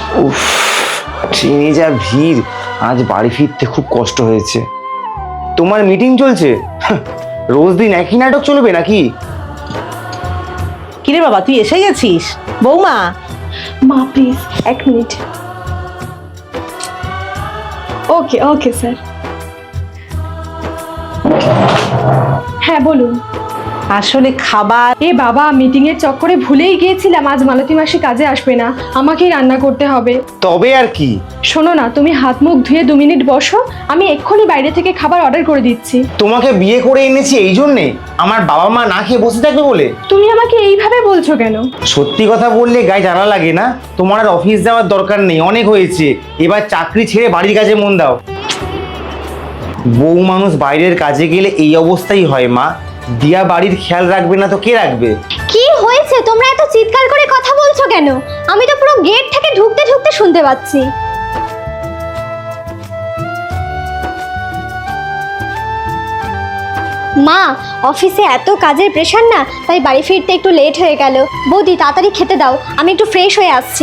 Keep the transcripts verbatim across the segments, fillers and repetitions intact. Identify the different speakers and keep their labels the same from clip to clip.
Speaker 1: উফ, ট্রেনে যা ভিড়, আজ বাড়ি ফিরতে খুব কষ্ট হয়েছে। তোমার মিটিং চলছে? রোজ দিন একই নাটক চলবে নাকি?
Speaker 2: কিরে বাবা, তুই এসে গেছিস? বৌমা,
Speaker 3: মা প্লিজ এক মিনিট। ওকে ওকে স্যার। হ্যাঁ বলুন।
Speaker 2: আসলে খাবার
Speaker 3: এ বাবা, মিটিং এর চক্করে ভুলেই গিয়েছিলাম আজ মালতী মাসি কাজে আসবে না, আমাকেই রান্না করতে হবে।
Speaker 1: তবে আর কি।
Speaker 3: শোনো না, তুমি হাত মুখ ধুয়ে দু মিনিট বসো, আমি এক্ষুনি বাইরে থেকে খাবার অর্ডার করে দিচ্ছি।
Speaker 1: তোমাকে বিয়ে করে এনেছি এই জন্যে আমার বাবা মা না খেয়ে বসে থাকবে বলে?
Speaker 3: তুমি আমাকে এইভাবে বলছো কেন?
Speaker 1: সত্যি কথা বললে গায়ে জ্বালা লাগে না? তোমার আর অফিস যাওয়ার দরকার নেই, অনেক হয়েছে। এবার চাকরি ছেড়ে বাড়ির কাজে মন দাও। বউ মানুষ বাইরের কাজে গেলে এই অবস্থাই হয় মা। দিয়া বাড়ির খেয়াল রাখবে না তো কে রাখবে?
Speaker 4: কি হয়েছে? তোমরা এত চিৎকার করে কথা বলছো কেন? আমি তো পুরো গেট থেকে ঢুকতে ঢুকতে শুনতে পাচ্ছি। মা, অফিসে এত কাজের প্রেশার না, তাই বাড়ি ফিরতে একটু লেট হয়ে গেল। বৌদি তাড়াতাড়ি খেতে দাও, আমি একটু ফ্রেশ হয়ে আসছি।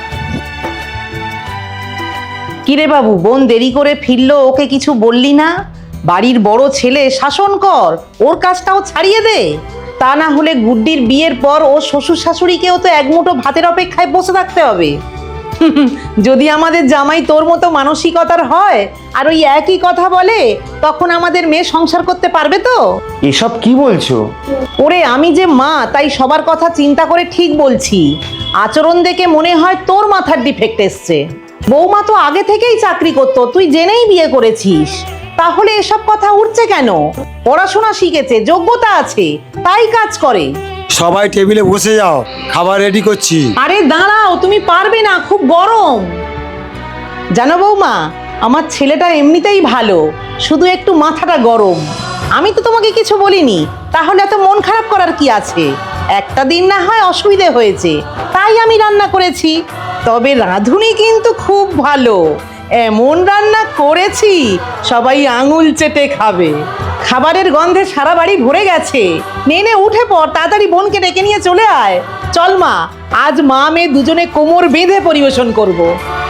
Speaker 2: কিরে বাবু, বোন দেরি করে ফিরলো, ওকে কিছু বললি না? বাড়ির বড় ছেলে, শাসন কর, ওর কাজটাও ছাড়িয়ে দে। তা না হলে গুড্ডির বিয়ের পর ও শ্বশুর শাশুড়িকেও তো এক মুঠো ভাতের অপেক্ষায় বসে থাকতে হবে। যদি আমাদের জামাই তোর মতো মানসিকতার হয় আর ওই একই কথা বলে, তখন আমাদের মেয়ে সংসার করতে পারবে তো?
Speaker 1: এসব কি বলছো?
Speaker 2: ওরে, আমি যে মা, তাই সবার কথা চিন্তা করে ঠিক বলছি। আচরণ দেখে মনে হয় তোর মাথার ডিফেক্ট এসছে। বৌমা তো আগে থেকেই চাকরি করতো, তুই জেনেই বিয়ে করেছিস, তাহলে এসব কথা উঠছে কেন? পড়াশোনা শিখেছে, যোগ্যতা আছে, তাই কাজ করে।
Speaker 5: সবাই টেবিলে বসে যাও, খাবার রেডি করছি।
Speaker 2: আরে দাঁড়াও, তুমি পারবে না, খুব গরম। জানো বৌমা, আমার ছেলেটা এমনিতেই ভালো, শুধু একটু মাথাটা গরম। আমি তো তোমাকে কিছু বলিনি, তাহলে এত মন খারাপ করার কি আছে? একটা দিন না হয় অসুবিধে হয়েছে, তাই আমি রান্না করেছি। তবে রাঁধুনি কিন্তু খুব ভালো, এমন রান্না করেছি সবাই আঙুল চেটে খাবে। খাবারের গন্ধে সারা বাড়ি ভরে গেছে। নে নে, উঠে পড়, তাড়াতাড়ি বোনকে ডেকে নিয়ে চলে আয়। চল মা, আজ মা মেয়ে দুজনে কোমর বেঁধে পরিবেশন করব।